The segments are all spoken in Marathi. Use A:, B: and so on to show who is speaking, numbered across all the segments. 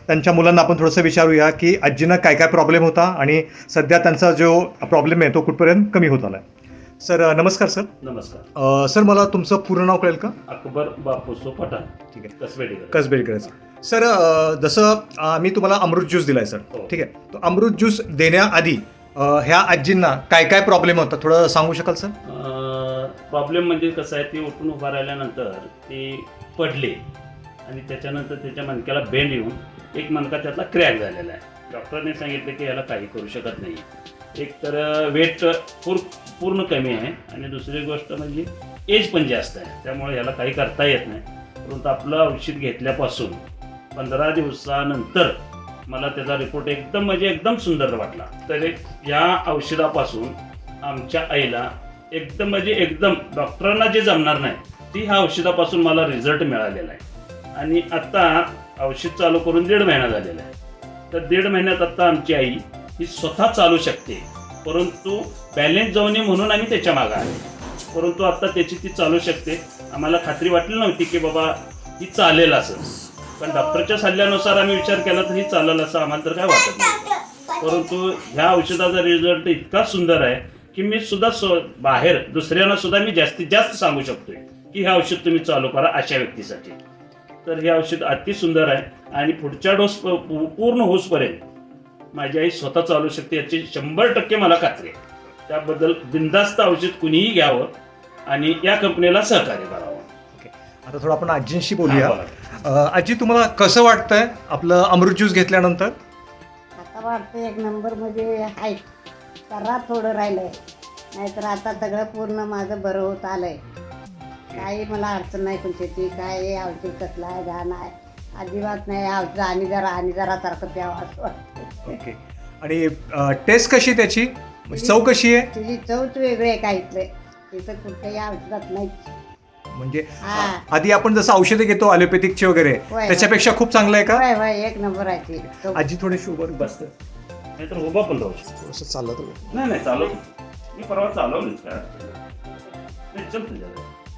A: त्यांच्या मुलांना आपण थोडंसं विचारूया की आजींना काय काय प्रॉब्लेम होता आणि सध्या त्यांचा जो प्रॉब्लेम आहे तो कुठपर्यंत कमी होत आला आहे. सर नमस्कार सर.
B: नमस्कार.
A: सर मला तुमचं पूर्ण नाव कळेल का?
B: अकबर बापूसो पठाण.
A: ठीक आहे.
B: कसबेडीकर.
A: कसबेलकरचं. सर जसं आम्ही तुम्हाला अमृत ज्यूस दिला आहे सर.
B: हो.
A: ठीक आहे. तो अमृत ज्यूस देण्याआधी ह्या आजींना काय काय प्रॉब्लेम होता थोडं सांगू शकाल सर?
B: प्रॉब्लेम म्हणजे कसं आहे, ती उठून उभा राहिल्यानंतर ती पडली आणि त्याच्यानंतर त्याच्या मणक्याला बेंड येऊन एक मणका त्यातला क्रॅक झालेला आहे. डॉक्टरने सांगितलं की याला काही करू शकत नाही. एक तर वेट पूर्ण कमी आहे आणि दुसरी गोष्ट म्हणजे एज पण जास्त आहे, त्यामुळे याला काही करता येत नाही. परंतु आपलं औषध घेतल्यापासून 15 दिवसानंतर मला त्याचा रिपोर्ट एकदम सुंदर वाटला. तर या औषधापासून आमच्या आईला एकदम डॉक्टरांना जे जमणार नाही ती ह्या औषधापासून मला रिझल्ट मिळालेला आहे. आणि आत्ता औषध चालू करून 1.5 महिना झालेला आहे. तर 1.5 महिन्यात आत्ता आमची आई ही स्वतः चालू शकते. परंतु बॅलेन्स जाऊ नये म्हणून आम्ही त्याच्या मागे आले. परंतु आत्ता त्याची ती चालू शकते. आम्हाला खात्री वाटली नव्हती की बाबा ही चालेल असं, पण डॉक्टरच्या सल्ल्यानुसार आम्ही विचार केला तर ही चालेल असं आम्हाला तर काय वाटत नव्हतं. परंतु ह्या औषधाचा रिझल्ट इतका सुंदर आहे की मी सुद्धा बाहेर दुसऱ्यांना सुद्धा मी जास्तीत जास्त सांगू शकतोय की हे औषध तुम्ही चालू करा अशा व्यक्तीसाठी. तर हे औषध अति सुंदर आहे आणि पुढच्या डोस पूर्ण होसपर्यंत माझी आई स्वतः चालू शकते याची 100% मला खात्री आहे. त्याबद्दल बिनधास्त औषध कुणीही घ्यावं आणि या कंपनीला सहकार्य करावं.
A: आता थोडं आपण आजींशी बोलूया. आजी तुम्हाला कसं वाटतंय आपलं अमृत ज्यूस घेतल्यानंतर?
C: आता वाटतं एक नंबर मध्ये आहे. जरा थोडं राहिलंय, नाहीतर आता सगळं पूर्ण माझं बरं होत आलंय. काही मला अडचण नाही कोणती. काय औषध कसलं आहे घाण आहे अजिबात नाही. औषध आणि जरा सारखं प्यावं असं वाटतं.
A: ओके. आणि टेस्ट कशी त्याची चव कशी आहे?
C: तुझी चवच वेगळी आहे का इथलं. तिथं कुठल्याही औषधात नाही.
A: म्हणजे
C: हा.
A: आधी आपण जसं औषधे घेतो ॲलोपॅथिकचे वगैरे
C: होय.
A: त्याच्यापेक्षा खूप चांगलं आहे का?
C: होय होय एक नंबर आहे ती चव.
A: आजी थोडीशी उभं
B: बसतं नाहीतर उभा पण राहू शकतो.
A: असं चालत
B: नाही चालवतो मी. परवा चालवलीच काय नाही. चल तुझ्या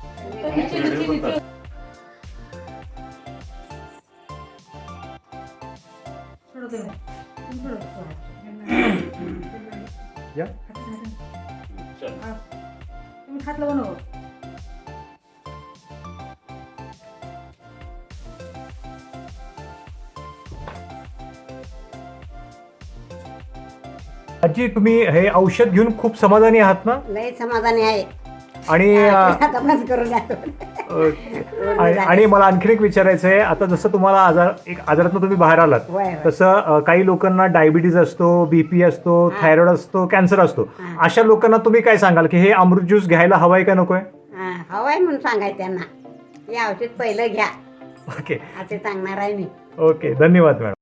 A: या.
B: चल.
A: आजी तुम्ही हे औषध घेऊन खूप समाधानी आहात ना?
C: लय समाधानी आहे.
A: आणि
C: आता बंद करून जातो.
A: आणि मला आणखीन एक विचारायचं आहे. आता जसं तुम्हाला आजारातून तुम्ही बाहेर आलात
C: होय, होय.
A: तसं काही लोकांना डायबिटीज असतो, बीपी असतो, थायरॉइड असतो, कॅन्सर असतो. अशा लोकांना तुम्ही काय सांगाल की हे अमृत ज्यूस घ्यायला हवाय का नकोय?
C: हवाय म्हणून सांगायचं त्यांना. हे औषध पहिलं घ्या
A: ओके.
C: असे सांगणार आहे मी.
A: ओके. धन्यवाद मॅडम.